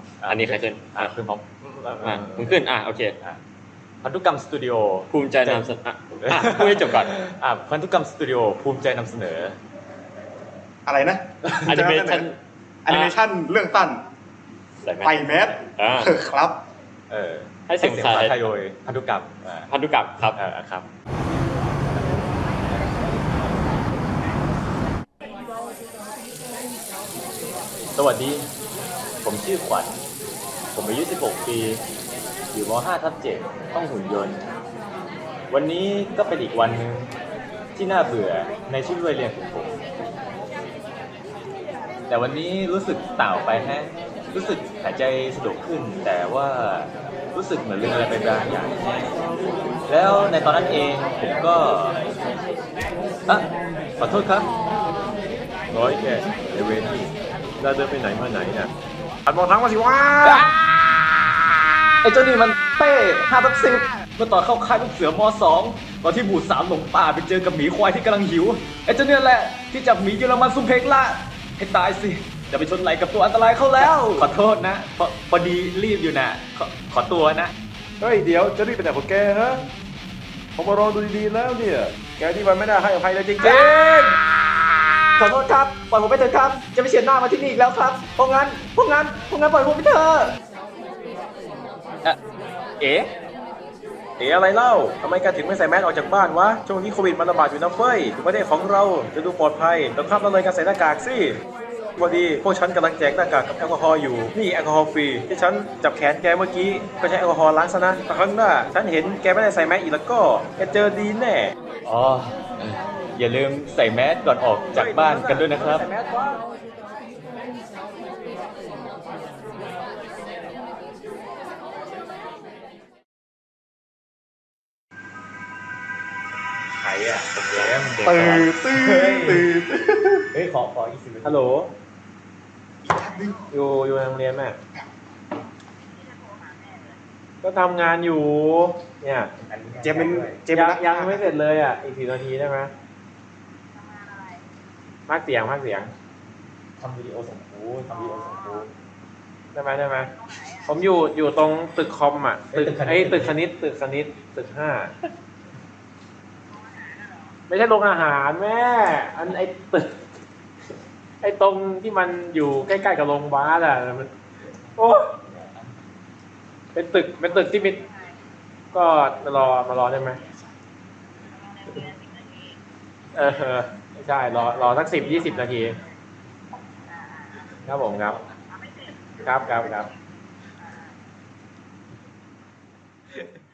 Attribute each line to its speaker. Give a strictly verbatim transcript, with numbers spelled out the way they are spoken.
Speaker 1: อันนี้ใครขึ้น
Speaker 2: อ่ะขึ้นพร้อม
Speaker 1: อ่ะมึงขึ้นอ่ะโอเค
Speaker 2: พันธุกรรมสตูดิโอ
Speaker 1: ภูมิใจนำเสนออ่ะพูดให้จบก่อน
Speaker 2: อ่ะพันธุกรรมสตูดิโอภูมิใจนำเสนอ
Speaker 3: อะไรนะ
Speaker 1: แอนิเมชั่น
Speaker 3: แอนิเมชั่นเรื่องสั้นไปแมสครับ
Speaker 2: เออ
Speaker 1: ให้เสียงภาษา
Speaker 2: ไทยโดยพันธุกรรม
Speaker 1: พันธุกรรมครับ
Speaker 2: อ่าครับสวัสดีผมชื่อขวัญผมอายุสิบหกปีอยู่ม ห้าทับเจ็ดห้องหุ่นยนต์วันนี้ก็เป็นอีกวันหนึ่งที่น่าเบื่อในชีวิตวัยเรียนของผมแต่วันนี้รู้สึกต่างไปแฮะรู้สึกหายใจสะดวกขึ้นแต่ว่ารู้สึกเหมือนลืมอะไรไปบางอย่างแน่แล้วในตอนนั้นเองผมก็อ่ะขอโทษครับร้อยแกในเวทีเราเดินไปไหนมาไหนเนี่ยหันมองทางมาสิว่าไอ้เจ้านี่มันเต้ห้าทับสิบเมื่อตอนเข้าค่ายลูกเสือมสองตอนที่บูดสามหลงป่าไปเจอกับหมีควายที่กำลังหิวไอ้เจ้าเนี่ยแหละที่จับหมีเยอรมันซุมเพกละให้ตายสิจะไปชนไหลกับตัวอันตรายเข้าแล้วขอโทษนะพอพอดีรีบอยู่นะขอขอตัวนะ
Speaker 3: เฮ้ยเดี๋ยวจะรีบไปไหนของแกฮะผมมารอดูดีๆแล้วเนี่ยแกที่มันไม่ได้ให้อภัยเลยจริงๆ
Speaker 2: ขอโทษครับปล่อยผมไปเถอะครับจะไม่เฉียดหน้ามาที่นี่อีกแล้วครับเพราะงั้นเพราะงั้นเพราะงั้นปล่อยผมไปเถอะเอ๋
Speaker 3: เอ๋อะไรเล่าทำไมแกถึงไม่ใส่แมสออกจากบ้านวะช่วงนี้โควิดมันระบาดอยู่นะเฟ้ยถึงประเทศของเราจะดูปลอดภัยต้องข้ามละเลยการใส่หน้ากากสิพอดีพวกฉันกำลังแจกหน้ากากกับแอลกอฮอล์อยู่นี่แอลกอฮอล์ฟรีที่ฉันจับแขนแกเมื่อกี้ก็ใช้แอลกอฮอล์ล้างซะนะแต่ครั้งหน้าฉันเห็นแกไม่ได้ใส่แมสอีกแล้วก็แกเจอดีแน่
Speaker 2: อ๋ออย่าลืมใส่แมสก่อนออกจากบ้านกันด้วยนะครับใครอ่ะแกม
Speaker 3: ตื่นตื่นตื่น
Speaker 2: เฮ้ยขอขออีกสิบ
Speaker 3: ฮัลโหลอยู่อยู่ในโรงเรียนแม่ก็ทำงานอยู่เนี่ยเจมเป็นเจมยังยังไม่เสร็จเลยอ่ะอีกสี่นาทีได้ไหมพากเสียงพากเสียง
Speaker 2: ทำวิดีโอส่งครูทำวิดีโอส่งครู
Speaker 3: ได้ไหมได้ไหมผมอยู่อยู่ตรงตึกคอมอ่ะตึกไอ้ตึกคณิตตึกคณิตตึกห้าไม่ใช่โรงอาหารแม่อันไอ้ตึกไอ้ตรงที่มันอยู่ใกล้ๆกับโรงพยาบาลอ่ะมันโอ้เป็นตึกเป็นตึกที่มีก็มารอมารอได้ไหมเออไม่ใช่รอรอสักสิบยี่สิบนาทีครับผมครับครับครับครับ